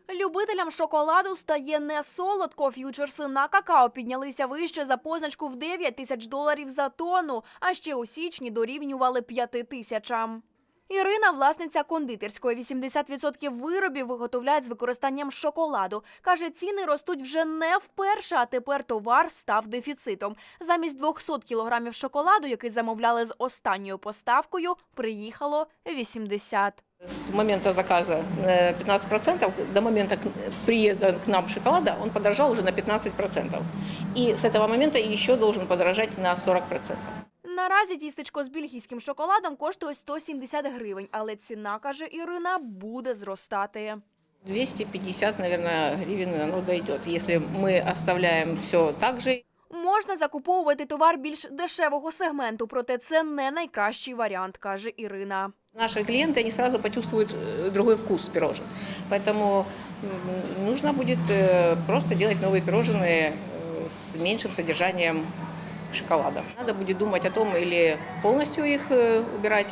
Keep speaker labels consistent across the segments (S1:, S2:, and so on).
S1: Любителям шоколаду стає не солодко. Ф'ючерси на какао піднялися вище за позначку в $9 тисяч за тонну, а ще у січні дорівнювали 5 тисячам. Ірина – власниця кондитерської. 80% виробів виготовляють з використанням шоколаду. Каже, ціни ростуть вже не вперше, а тепер товар став дефіцитом. Замість 200 кілограмів шоколаду, який замовляли з останньою поставкою, приїхало 80.
S2: С момента заказа 15%, до момента приезда к нам шоколада он подорожал уже на 15%. И с этого момента еще должен подорожать на 40%.
S1: Наразі тістечко з бельгійським шоколадом коштує 170 гривень, але ціна, каже Ірина, буде зростати.
S2: 250, наверное, гривен оно дойдет, если мы оставляем все так же.
S1: Можна закуповувати товар більш дешевого сегменту, проте це не найкращий варіант, каже Ірина.
S2: Наши клиенты, они сразу почувствуют другой вкус пирожен. Поэтому нужно будет просто делать новые пирожные с меньшим содержанием шоколада. Надо будет думать о том, или полностью их убирать,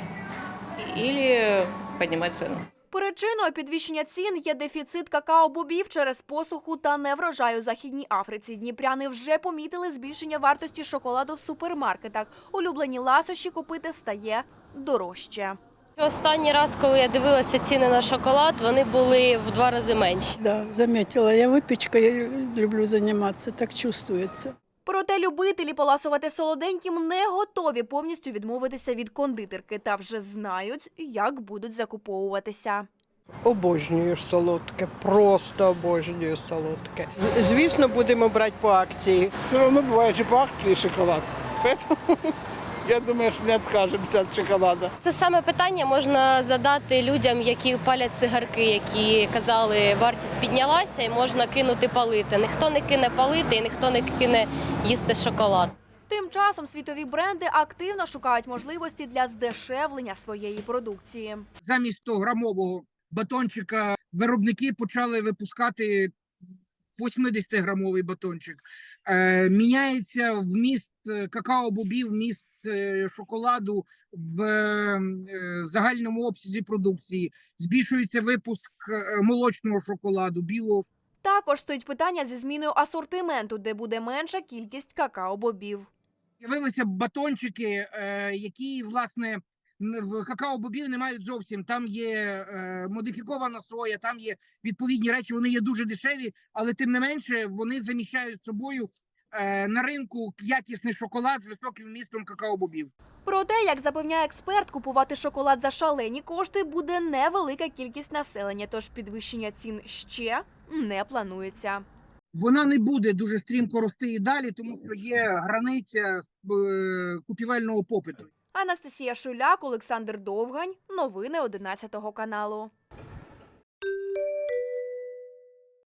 S2: или поднимать цену.
S1: Причиною підвищення цін є дефіцит какао-бобів через посуху та неврожай у Західній Африці. Дніпряни вже помітили збільшення вартості шоколаду в супермаркетах. Улюблені ласощі купити стає дорожче.
S3: Останній раз, коли я дивилася ціни на шоколад, вони були в 2 рази менші.
S4: Да, заметила. Я выпечкой люблю заниматься, так чувствуется.
S1: Проте любителі поласувати солоденьким не готові повністю відмовитися від кондитерки та вже знають, як будуть закуповуватися.
S5: Обожнюю солодке, просто обожнюю солодке. Звісно, будемо брати по акції.
S6: Все одно буває же по акції шоколад. Поэтому я думаю, що не відкажемося від шоколада.
S3: Це саме питання можна задати людям, які палять цигарки, які казали, вартість піднялася і можна кинути палити. Ніхто не кине палити і ніхто не кине їсти шоколад.
S1: Тим часом світові бренди активно шукають можливості для здешевлення своєї продукції.
S7: Замість 100-грамового батончика виробники почали випускати 80-грамовий батончик. Міняється вміст какао-бобів, вміст шоколаду в загальному обсязі продукції. Збільшується випуск молочного шоколаду, білого.
S1: Також стоїть питання зі зміною асортименту, де буде менша кількість какао-бобів.
S7: З'явилися батончики, які, власне, в какао-бобів не мають зовсім. Там є модифікована соя, там є відповідні речі, вони є дуже дешеві, але тим не менше вони заміщають собою на ринку якісний шоколад з високим вмістом какао-бобів.
S1: Проте, як запевняє експерт, купувати шоколад за шалені кошти буде невелика кількість населення, тож підвищення цін ще не планується.
S7: Вона не буде дуже стрімко рости і далі, тому що є границя купівельного попиту.
S1: Анастасія Шуляк, Олександр Довгань. Новини 11 каналу.